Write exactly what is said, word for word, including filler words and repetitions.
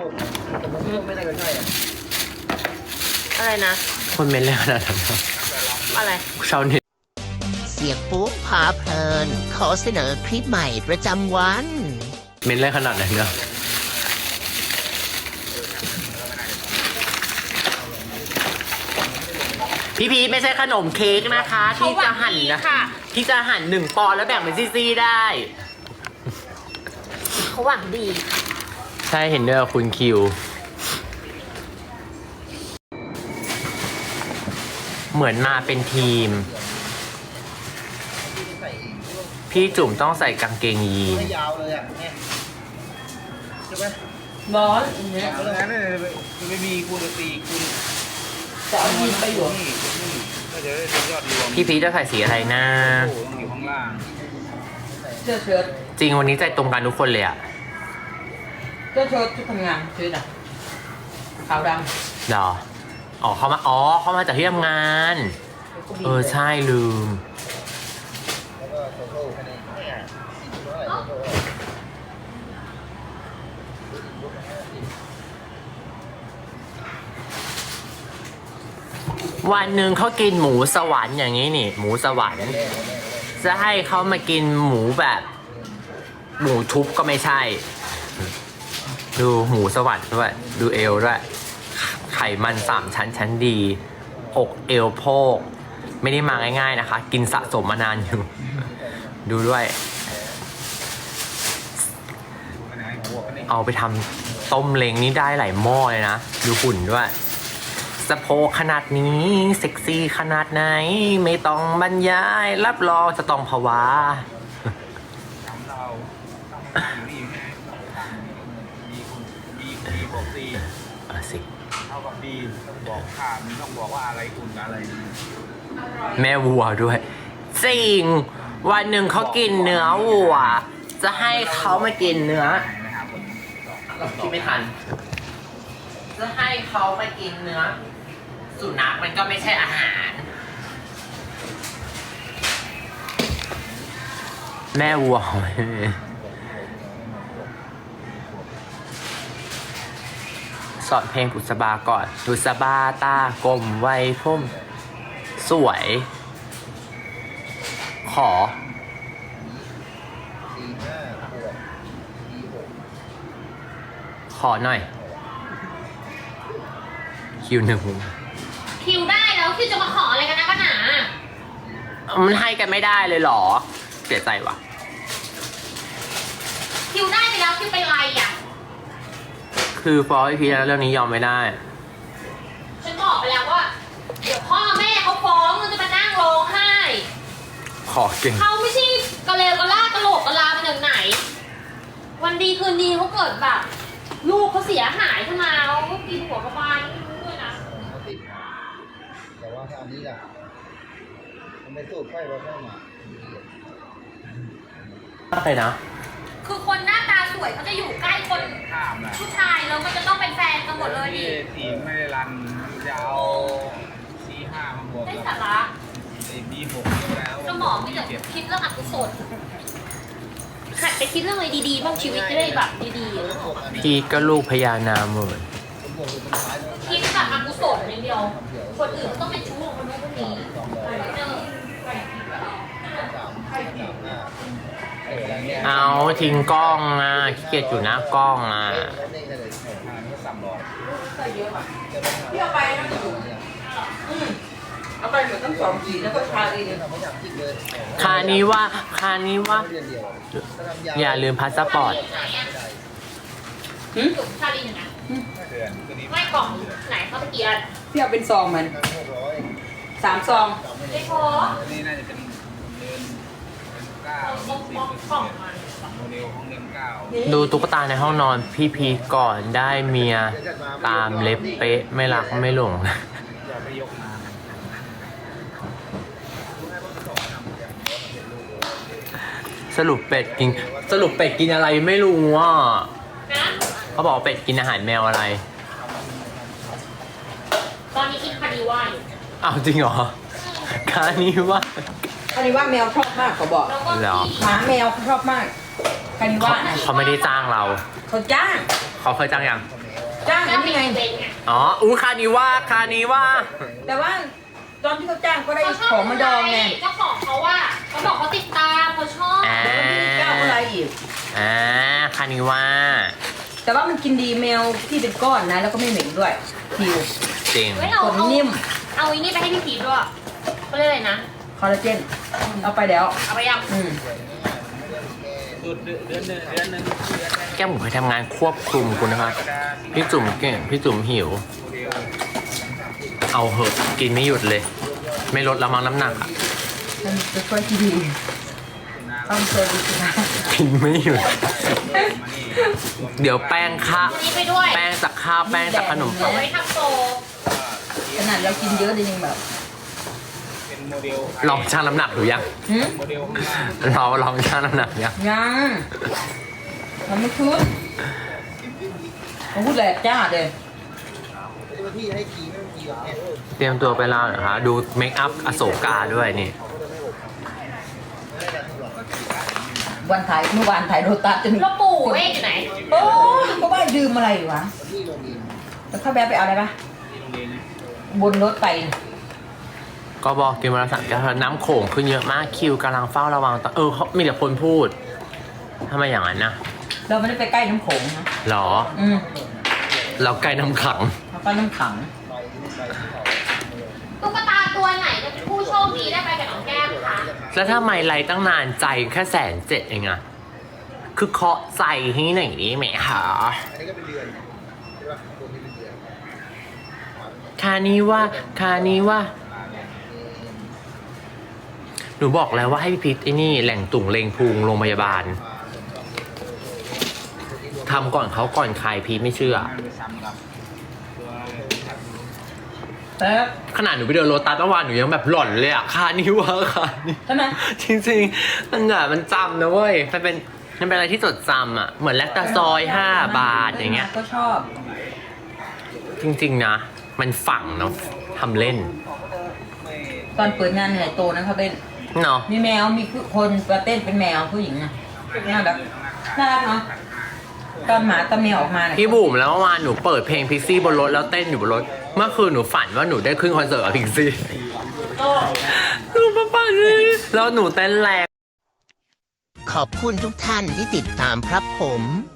ไม่ได้ก็ใช่อะอะไรนะคนเมนเลยขนาดนั้นอะไรชาวเน็ตเสียงปุ๊บพาเพลิน ขอเสนอคลิปใหม่ประจำวันเมนเลยขนาดไหนเนาะพี่พีชไม่ใช่ขนมเค้กนะคะ ที่จะหั่นนะค่ะที่จะหั่นหนึ่งปอนด์แล้วแบ่งเป็นซี่ๆได้เขาหวังดีใช่เห็นด้วยกับคุณคิว เหมือนมาเป็นทีม พี่จุ๋มต้องใส่กางเกงยีนไม่ยาวเลยอ่ะเนี่ยใช่ไหมบอสอย่างเงี้ยเพราะงั้นเนี่ยไม่มีคูณตีคูณจะเอายินไปอยู่นี่นี่ก็จะได้เป็นยอดรวมพี่พีชจะใส่สีอะไรนะโอ้ต้องอยู่ข้างล่างเสื้อเชิ้ตจริงวันนี้ใจตรงกันทุกคนเลยอะเสื้อเชิ้ตชุดทำงานเชิ้ตอ่ะขาวดเหรออ๋อเขามาอ๋อเขามาจากที่ทำงานำเออใช่ลืมแล้วก็โซโล่แค่นี้เนี่ยเท่าไหร่โซโล่วันหนึ่งเขากินหมูสวรรค์อย่างนี้นี่ หมูสวรรค์ จะให้เขามากินหมูแบบ หมูทุบก็ไม่ใช่ ดูหมูสวรรค์ด้วย ดูเอวด้วย ไขมันสามชั้นชั้นดี อกเอวโพก ไม่ได้มาง่ายๆนะคะ กินสะสมมานานอยู่ ดูด้วย เอาไปทำต้มเล้งนี่ได้หลายหม้อเลยนะ ดูหุ่นด้วยสะโพกขนาดนี้เซ็กซี่ขนาดไหน ไม่ต้องบรรยาย รับรองจะต้องภาวะทำเราตั้งอยู่นี่ไงบีคูณบีบีบวกซีเออสิเท่ากับบีต้องบอกค่ามันต้องบอกว่าอะไรคูณกับอะไรแม่วัวด้วยจริงวันหนึ่งเขากินเนื้อวัว จะให้เขามากินเนื้อคิดไม่ทัน จะให้เขามากินเนื้อ สุนัขมันก็ไม่ใช่อาหาร แม่วัวสอนเพลงบุษบาก่อนบุษบาตากลมไว้พุ่มสวย ขอสี่ห้าบวกบีหกขอหน่อย คิวหนึ่งคิวได้แล้วคิวจะมาขออะไรกันนะกันหนามันให้กันไม่ได้เลยเหรอ เสียใจว่ะคิวได้ไปแล้วคิวเป็นไรอ่ะคือฟอร์ไอพีแล้วเรื่องนี้ยอมไม่ได้ฉันบอกไปแล้วว่า เดี๋ยวพ่อแม่เขาฟ้องมันจะมานั่งร้องไห้ขอเก่งเขาไม่ใช่กระเลวกระลาดกระโหลกกระลามาจากไหน วันดีคืนดีเขาเกิดแบบ ลูกเขาเสียหายขึ้นมาเขาก็กินหัวกระบาลไม่รู้ด้วยนะเขาติดมาแต่ว่าถ้าอันนี้ล่ะมันไม่สูดไฟเราเข้ามาอะไรนะคือคนหน้าตาสวยเขาจะอยู่ใกล้คนข้ามนะผู้ชายแล้วมันจะต้องเป็นแฟนกันหมดเลยดิทีมไม่ได้รันจะเอาซีห้ามาบวกได้กับสาระไอ้บีหกแล้วสมองมีแต่คิดเรื่องอกุศลหัดไปคิดเรื่องอะไรดีๆบ้างชีวิตจะได้แบบดีๆเออพีก็ลูกพญานาคเหมือนคิดแบบอกุศลอย่างเดียว คนอื่นก็ต้องเป็นชู้ของคนนู้นคนนี้เออเอาทิ้งกล้องอ่ะขี้เกียจอยู่หน้ากล้องอ่ะพี่เอาไปนะอืมเอาไปเหมือนตั้งสองสีแล้วก็ทาเองคานี้ว่าคานี้ว่า อย่าลืมพาสปอร์ตจุ่มชาลีหนึ่งนะไม่กล่องไหนเขาตะเกียบพี่เอาเป็นซองมันสามซองไม่พอนี่น่าจะเป็นเดือนเก้าบล็อกบล็อกกล่องมันโมเดลของเดือนเก้าดูตุ๊กตาในห้องนอนพี่พีก่อนได้เมียตามเล็บเป๊ะไม่รักไม่หลงอย่าไปยกมาสรุปเป็ดกินสรุปเป็ดกินอะไรไม่รู้อ่ะนะเขาบอกเป็ดกินอาหารแมวอะไรตอนนี้กินคาดีว่าอยู่อ้าวจริงเหรอคานี้ว่าคานิว่าแมวชอบมากเขาบอกแล้วก็เหรอที่หมาแมวเขาชอบมากคานิว่าเขาไม่ได้จ้างเราเขาจ้างเขาเคยจ้างยังแมวจ้างจ้างนี่เป็นไงอีเวนต์ไงอ๋ออู้คานิว่าคานิว่าแต่ว่าตอนที่เขาจ้างก็ได้เขาชอบของมาดองไงเจ้าของเขาว่าเขาบอกเขาติดตามเขาชอบอ่าเดี๋ยววันที่เก้าอะไรอีกอ่าคานิว่าแต่ว่ามันกินดีแมวที่เป็นก้อนนะ แล้วก็ไม่เหม็นด้วยผิวจริงเฮ้ยเราขนเอานิ่มเอาอีนี่ไปให้พี่พีทด้วยเขาเรียกอะไรนะคอลลาเจนเอาไปแล้วเอาไปยังอืมสุดเดือนเดือนหนึ่งเดือนหนึ่งเดือนแรกแก้มหมูเคยทำงานควบคุมคุณนะครับ พี่จุ๋มเก่งพี่จุ๋มหิวโมเดลเอาเหอะกินไม่หยุดเลย ไม่ลดละมั้งน้ำหนักอะมันจะช่วยที่ดีต้องเจอดีสิคะกินไม่หยุดมานี่เดี๋ยวแป้งข้าอันนี้ไปด้วยแป้งจากข้าวแป้งจากขนมเดี๋ยวไว้ทำโตขนาดเรากินเยอะเลยยังแบบเป็นโมเดลลองชั่งน้ำหนักดูยังหืมโมเดลข้างหน้าเราลองชั่งน้ำหนักยังยังมันไม่ขึ้นผมพูดแหลกจ้าเลยเตรียมตัวไปลาวเหรอคะดูเมคอัพอโศกาด้วยนี่วันถ่ายเมื่อวานถ่ายโรตัสจนแล้วปู่เวกอยู่ไหนโอ้ยก็ว่าดื่มอะไรวะแล้วเข้าแบะไปเอาอะไรปะที่โรงเรียนนะบนรถไปก็บอกกินวันละสามแก้วน้ำโขงขึ้นเยอะมากคิวกำลังเฝ้าระวังตเออเขามีแต่คนพูดทำไมอย่างนั้นนะเราไม่ได้ไปใกล้น้ำโขงนะหรออืมเราใกล้น้ำขังเราไปน้ำขังตุ๊กตาตัวไหนจะเป็นผู้โชคดีได้ไปกับน้องแก้มคะแล้วถ้าไม่ไลฟ์ตั้งนานใจแค่แสนเจ็ดเองอะคือเคาะใจให้หน่อยนี้ไหมคะคานี้ว่าคานี้ว่า หนูบอกแล้วว่าให้พี่พิษไอ้นี่แหล่งตุ่งเลงพุงโรงพยาบาลทำก่อนเขาก่อนใครพีทไม่เชื่องานไปซ้ำกับตัวแต่ขนาดหนูไปเดินโรตัสเมื่อวานหนูยังแบบหล่อนเลยอะคานี้ว่าคานี้ใช่ไหมจริงๆมันแบบมันจำนะเว้ย มันเป็นมันเป็นอะไรที่จดจำอ่ะ เหมือนแลคตาซอยห้าบาทอย่างเงี้ยก็ชอบจริงๆนะ มันฝังเนาะทำเล่นตอนเปิดงานเหนื่อยโตนะเขาเต้นเนาะมีแมวมีคนมาเต้นเป็นแมวผู้หญิงนะน่ารักน่ารักเนาะตอนหมาตอนแมวออกมาเนี่ยพี่บุ๋มแล้วเมื่อวานหนูเปิดเพลงพิกซี่บนรถแล้วเต้นอยู่บนรถ เมื่อคืนหนูฝันว่าหนูได้ขึ้นคอนเสิร์ตกับพิกซี่หนูมาปั่นเลยแล้วหนูเต้นแรงขอบคุณทุกท่านที่ติดตามครับผม